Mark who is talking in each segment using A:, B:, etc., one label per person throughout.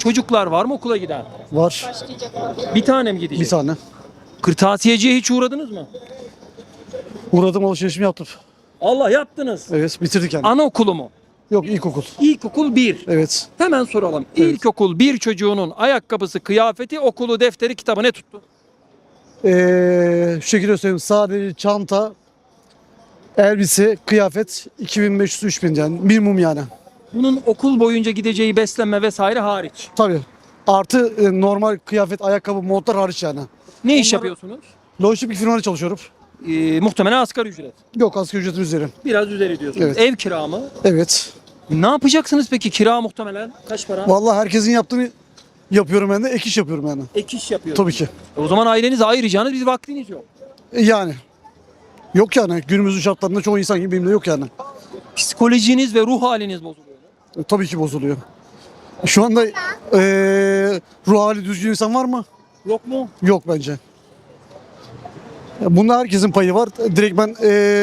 A: çocuklar var mı okula giden?
B: Var.
A: Bir tane mi gidecek?
B: Bir tane.
A: Kırtasiyeciye hiç uğradınız mı?
B: Uğradım, alışverişimi yaptım.
A: Allah, yaptınız.
B: Evet, bitirdik yani.
A: Anaokulu mu?
B: Yok, ilkokul.
A: İlkokul 1.
B: Evet.
A: Hemen soralım.
B: Evet.
A: İlkokul 1 çocuğunun ayakkabısı, kıyafeti, okulu, defteri, kitabı ne tuttu?
B: Şu şekilde söyleyeyim. Sadece çanta, elbise, kıyafet 2500-3000 yani. Minimum yani.
A: Bunun okul boyunca gideceği beslenme vesaire hariç.
B: Tabii. Artı normal kıyafet, ayakkabı, montlar hariç yani.
A: Ne iş yapıyorsunuz?
B: Lojistik bir firmada çalışıyorum.
A: Muhtemelen asgari ücret.
B: Yok, asgari ücretin üzeri.
A: Biraz üzeri diyorsunuz.
B: Evet.
A: Ev kira mı?
B: Evet.
A: Ne yapacaksınız peki? Kira muhtemelen kaç para?
B: Vallahi herkesin yaptığını yapıyorum ben de. Ek iş yapıyorum yani.
A: Ek iş yapıyorsunuz.
B: Tabii ki.
A: O zaman ailenize ayıracağınız bir vaktiniz yok.
B: Yani. Yok yani. Günümüzün şartlarında çoğu insan gibi benim de yok yani.
A: Psikolojiniz ve ruh haliniz bozuluyor.
B: Tabii ki bozuluyor. Şu anda ruh hali düzgün insan var mı?
A: Yok mu?
B: Yok bence. Bunda herkesin payı var. Direkt ben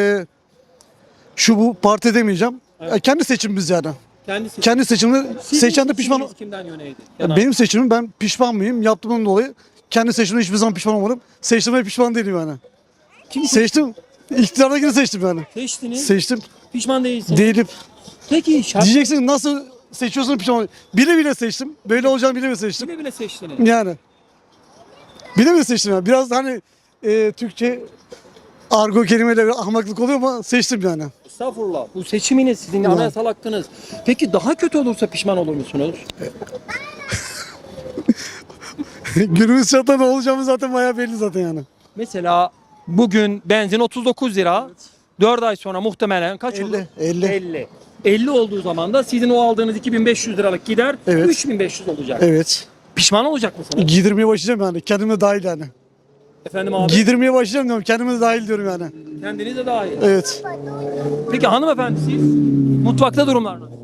B: şu bu parti demeyeceğim.
A: Evet.
B: Kendi seçimimiz yani.
A: Kendisi.
B: Kendi seçimini seçen de pişman.
A: Kimden yöneydi?
B: Benim seçimim, ben pişman mıyım? Yaptığımdan dolayı kendi seçimimde hiçbir zaman pişman olmadım. Seçtiğimde pişman değilim yani.
A: Kim
B: Seçtim. İktidardakini seçtim yani.
A: seçtiniz?
B: Seçtim.
A: Pişman değilsiniz.
B: Değilim.
A: Peki şart
B: Diyeceksin nasıl seçiyorsun pişman. Bile bile seçtim. Böyle olacağını bile bile seçtim.
A: bile bile seçtiniz.
B: Yani. Bile bile seçtim yani. Biraz hani Türkçe argo kelimeyle ahmaklık oluyor ama seçtim yani.
A: Estağfurullah. Bu seçiminiz sizin anayasal hakkınız. Peki daha kötü olursa pişman olur musunuz?
B: Günümüz şartlarında olacağımız zaten bayağı belli zaten yani.
A: Mesela bugün benzin 39 lira. 4 ay sonra muhtemelen kaç
B: 50,
A: olur?
B: 50.
A: 50. 50 olduğu zaman da sizin o aldığınız 2500 liralık gider
B: Evet.
A: 3500 olacak.
B: Evet.
A: Pişman olacak mısınız?
B: Giydirmeye başlayacağım yani. Kendime dahil yani.
A: Efendim abi,
B: Giydirmeye başlayacağım diyorum. Kendime de dahil diyorum yani.
A: kendiniz de dahil.
B: Evet.
A: Peki hanımefendi siz mutfakta durumlar nasıl?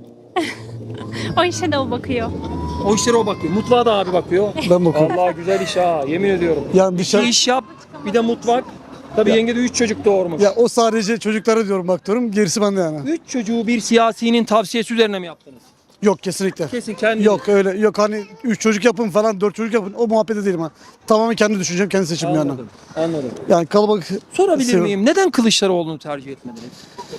C: O işe de o bakıyor.
A: O işlere o bakıyor. Mutfağa da abi bakıyor.
B: Ben bakıyorum.
A: Allah, güzel iş ha, yemin ediyorum.
B: Yani
A: Bir
B: dışarı...
A: iş yap, bir de mutfak. Tabii yenge de 3 çocuk doğurmuş.
B: Ya o sadece çocuklara diyorum, bak diyorum. Gerisi bende yani.
A: 3 çocuğu bir siyasinin tavsiyesi üzerine mi yaptınız?
B: Yok, kesinlikle.
A: Kesin kendi.
B: Yok öyle. Yok hani 3 çocuk yapın falan, 4 çocuk yapın. O muhabbete değilim ha. Tamamen kendi düşüncem, kendi seçimim yani.
A: Anladım. Anladım.
B: Yani kalabalık
A: Sorabilir
B: seviyorum.
A: miyim? Neden Kılıçdaroğlu'nu tercih etmediniz?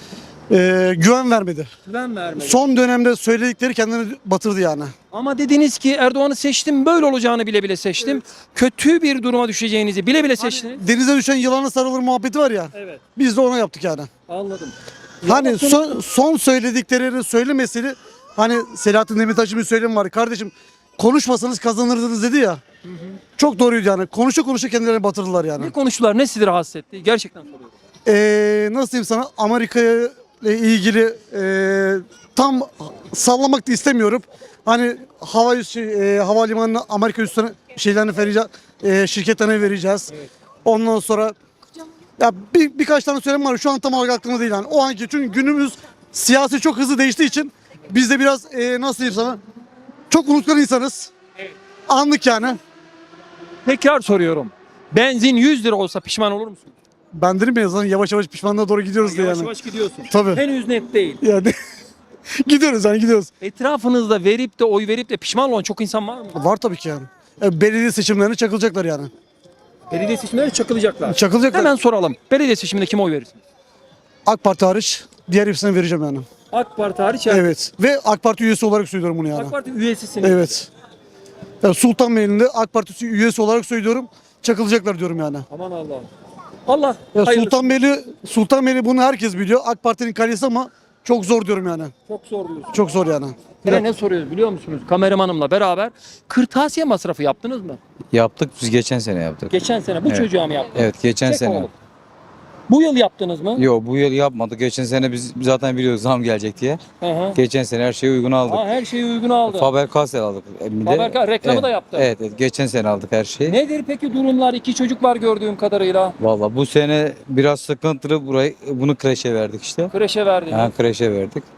B: Güven vermedi.
A: Ben vermedim.
B: Son dönemde söyledikleri kendini batırdı yani.
A: Ama dediniz ki Erdoğan'ı seçtim, böyle olacağını bile bile seçtim. Kötü bir duruma düşeceğinizi bile bile seçtiniz.
B: Denize düşen yılana sarılır muhabbeti var ya.
A: Evet.
B: Biz de ona yaptık yani.
A: Anladım.
B: Hani
A: Ya
B: son söylediklerini söylemesini, hani Selahattin Demirtaş'ın bir söylemi var. Kardeşim, konuşmasanız kazanırdınız dedi ya. Çok doğruydu yani. Konuşa konuşa kendilerini batırdılar yani.
A: ne konuştular, ne sizi rahatsız etti? Gerçekten soruyorum.
B: Nasıl diyeyim sana, Amerika'ya ile ilgili tam sallamak da istemiyorum. Hani havalimanına Amerika üstüne şeylerini vereceğiz, şirketlerine vereceğiz.
A: Evet.
B: Ondan sonra ya birkaç tane söylem var. Şu an tam olarak aklımda değil yani. O anki, çünkü günümüz siyasi çok hızlı değiştiği için biz de biraz nasıl diyeyim sana, çok unutkan insanız.
A: Evet.
B: Anlık yani.
A: Tekrar soruyorum. Benzin 100 lira olsa pişman olur musun?
B: Ben dedim ya zaten, yavaş yavaş pişmanlığa doğru gidiyoruz diye
A: Yavaş
B: yani.
A: yavaş gidiyorsun.
B: Tabii.
A: Henüz net değil.
B: Yani gidiyoruz yani, gidiyoruz.
A: Etrafınızda verip de oy verip de pişman olan çok insan var mı?
B: Var tabii ki yani. Belediye seçimlerine çakılacaklar yani.
A: Belediye seçimleri çakılacaklar.
B: Çakılacaklar.
A: Hemen soralım. Belediye seçiminde kime oy verirsiniz?
B: AK Parti hariç diğer hepsine vereceğim yani.
A: AK Parti hariç.
B: Evet. Ve AK Parti üyesi olarak söylüyorum bunu yani.
A: AK Parti üyesisiniz.
B: Evet. Yani Sultanbeyli'nde AK Parti üyesi olarak söylüyorum. Çakılacaklar diyorum yani.
A: Aman Allah'ım. Allah
B: Ya
A: hayırlısı.
B: Sultanbeyli bunu herkes biliyor. AK Parti'nin kalesi ama çok zor diyorum yani.
A: Çok zor diyorsun.
B: Çok zor yani.
A: Bir de ne soruyoruz biliyor musunuz? Kameramanımla beraber kırtasiye masrafı yaptınız mı?
D: Yaptık, biz geçen sene yaptık.
A: Geçen sene bu
D: Evet.
A: çocuğa mı yaptınız?
D: Evet, geçen
A: Çek
D: sene.
A: oğlum. Bu yıl yaptınız mı?
D: Yok, bu yıl yapmadık. Geçen sene biz zaten biliyorduk zam gelecek diye.
A: Hı hı.
D: Geçen sene her şeyi uygun aldık.
A: Ha, her şeyi uygun aldı.
D: Faber-Castell aldık. Bir de-
A: Faber-Castell reklamı
D: evet,
A: da yaptı.
D: Evet, evet, geçen sene aldık her şeyi.
A: Nedir peki durumlar? 2 çocuk var gördüğüm kadarıyla.
D: Valla bu sene biraz sıkıntılı, bunu kreşe verdik işte.
A: Kreşe verdiniz.
D: Ha, kreşe verdik.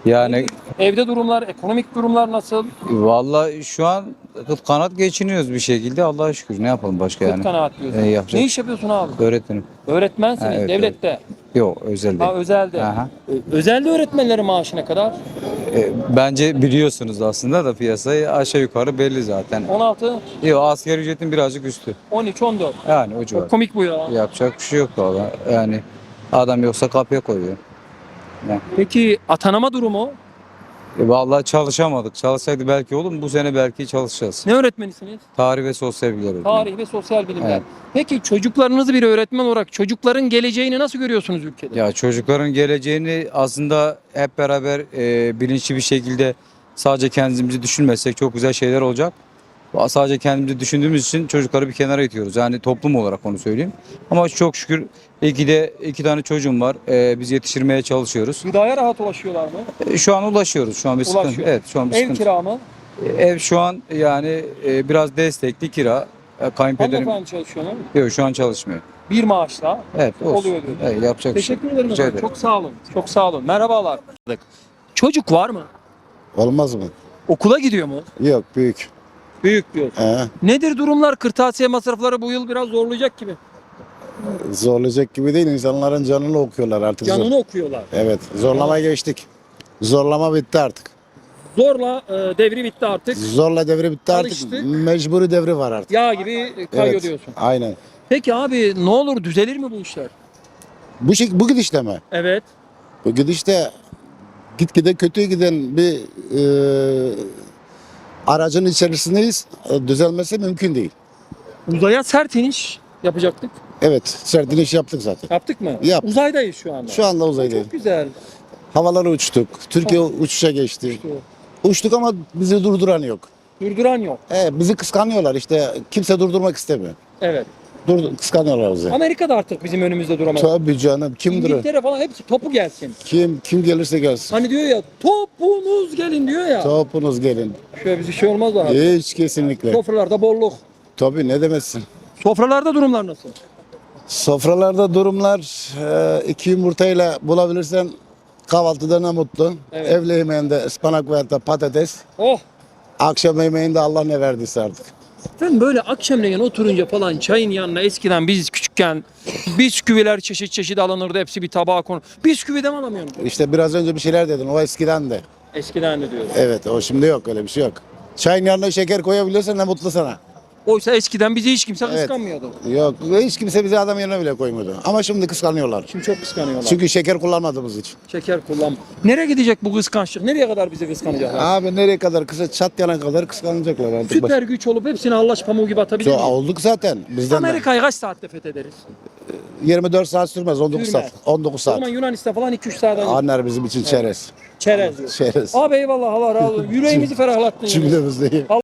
D: Yani
A: Evde durumlar, ekonomik durumlar nasıl?
D: vallahi şu an kıt kanat geçiniyoruz bir şekilde Allah'a şükür. Ne yapalım başka
A: Kıt
D: yani?
A: kanaat diyorsun.
D: Yapacak.
A: Ne iş yapıyorsun abi?
D: Öğretmenim.
A: Öğretmensiniz,
D: Ha, evet,
A: devlette.
D: Yok özelde.
A: Ha, özelde.
D: Aha.
A: Özelde öğretmenlerin maaşı ne kadar?
D: Bence biliyorsunuz aslında da piyasayı aşağı yukarı belli zaten.
A: 16,
D: Yok asgari ücretin birazcık üstü.
A: 13, 14.
D: Yani o
A: Çok
D: civar.
A: komik bu ya.
D: Yapacak bir şey yok valla. Yani adam yoksa kapıya koyuyor.
A: Peki atanama durumu?
D: Vallahi çalışamadık. Çalışsaydı belki olur mu? Bu sene belki çalışacağız.
A: Ne öğretmenisiniz?
D: Tarih ve sosyal bilgiler öğretmeni.
A: Tarih ve sosyal bilimler.
D: Evet.
A: Peki çocuklarınızı bir öğretmen olarak çocukların geleceğini nasıl görüyorsunuz ülkede?
D: Ya çocukların geleceğini aslında hep beraber bilinçli bir şekilde sadece kendimizi düşünmezsek çok güzel şeyler olacak. Sadece kendimizi düşündüğümüz için çocukları bir kenara itiyoruz. Yani toplum olarak onu söyleyeyim. Ama çok şükür iki tane çocuğum var. Biz yetiştirmeye çalışıyoruz.
A: Gıdaya rahat ulaşıyorlar mı?
D: Şu an ulaşıyoruz. Şu an bir sıkıntı.
A: Ulaşıyor.
D: Evet, şu an bir
A: Ev
D: sıkıntı.
A: kira mı?
D: Ev şu an yani biraz destekli kira. Kayınpederim
A: Hanımefendi çalışıyor mu?
D: yok şu an çalışmıyor.
A: Bir maaşla
D: Evet olsun.
A: oluyor diyor.
D: Evet, yapacak bir şey.
A: Teşekkür ederim.
D: Rica
A: efendim.
D: ederim.
A: Çok sağ olun. Çok sağ olun. Merhabalar. Çocuk var mı?
E: Olmaz mı?
A: Okula gidiyor mu?
E: Yok büyük.
A: Büyük diyor.
E: He,
A: Nedir durumlar? Kırtasiye masrafları bu yıl biraz zorlayacak gibi.
E: zorlayacak gibi değil. İnsanların canını okuyorlar artık.
A: Canını okuyorlar.
E: Evet. Zorlama geçtik. Zorlama bitti artık.
A: Zorla devri bitti artık.
E: Zorla devri bitti artık.
A: Alıştık.
E: Mecburi devri var artık.
A: Yağ gibi kayıyor
E: Evet.
A: diyorsun.
E: Aynen.
A: Peki abi ne olur düzelir mi bu işler?
E: Bu gidişle mi?
A: Evet.
E: Bu gidişte gitgide kötüye giden bir aracın içerisindeyiz. Düzelmesi mümkün değil.
A: Uzaya sert iniş yapacaktık.
E: Evet. Sert iniş yaptık zaten.
A: Yaptık mı?
E: Yaptık.
A: Uzaydayız şu anda.
E: Şu anda uzaydayız.
A: Çok güzel.
E: Havalara uçtuk. Türkiye uçuşa geçti. Uçtuk ama bizi durduran yok.
A: Durduran yok.
E: Bizi kıskanıyorlar işte. Kimse durdurmak istemiyor.
A: Evet.
E: Kıskanıyorlar bizi.
A: Amerika da artık bizim önümüzde duramaz.
E: Tabii canım. Kim durur?
A: İngiltere falan hepsi topu gelsin.
E: Kim gelirse gelsin.
A: Hani diyor ya topunuz gelin diyor ya.
E: Topunuz gelin.
A: Şöyle bir şey olmaz abi.
E: Hiç kesinlikle.
A: Sofralarda bolluk.
E: Tabii ne demezsin.
A: Sofralarda durumlar nasıl?
E: Sofralarda durumlar iki yumurtayla bulabilirsen kahvaltıda ne mutlu.
A: Evet.
E: Evle yemeğinde ıspanak veya da patates.
A: Oh.
E: Akşam yemeğinde Allah ne verdiyse artık.
A: Ben böyle akşamleyin oturunca falan çayın yanına eskiden biz küçükken bisküviler çeşit çeşit alınırdı. Hepsi bir tabağa konur. Bisküvi de mi alamıyorsun?
E: İşte biraz önce bir şeyler dedin. O eskiden de.
A: Eskiden de diyoruz.
E: Evet o şimdi yok öyle bir şey yok. Çayın yanına şeker koyabiliyorsan ne mutlu sana.
A: Oysa eskiden bizi hiç kimse
E: Evet.
A: kıskanmıyordu.
E: Yok hiç kimse bizi adam yerine bile koymadı. Ama şimdi kıskanıyorlar.
A: Şimdi çok kıskanıyorlar.
E: Çünkü şeker kullanmadığımız için.
A: Şeker kullan. Nereye gidecek bu kıskançlık? Nereye kadar bizi kıskanacaklar?
E: Abi nereye kadar kısa çat yana kadar kıskanacaklar artık.
A: Süper güç olup hepsini hallaç pamuğu gibi atabilir miyiz?
E: Olduk zaten. Bizden de.
A: Amerika'yı kaç saatte fethederiz?
E: 24 saat sürmez 19
A: Sürmez.
E: saat. 19
A: O
E: saat.
A: zaman Yunanistan falan 2-3 saatten
E: Anlar bizim için çerez.
A: çerez diyor.
E: Çerez.
A: Abi eyvallah Allah razı olsun. Yüreğimizi ferahlattın. yani.
E: Cümlemiz değil.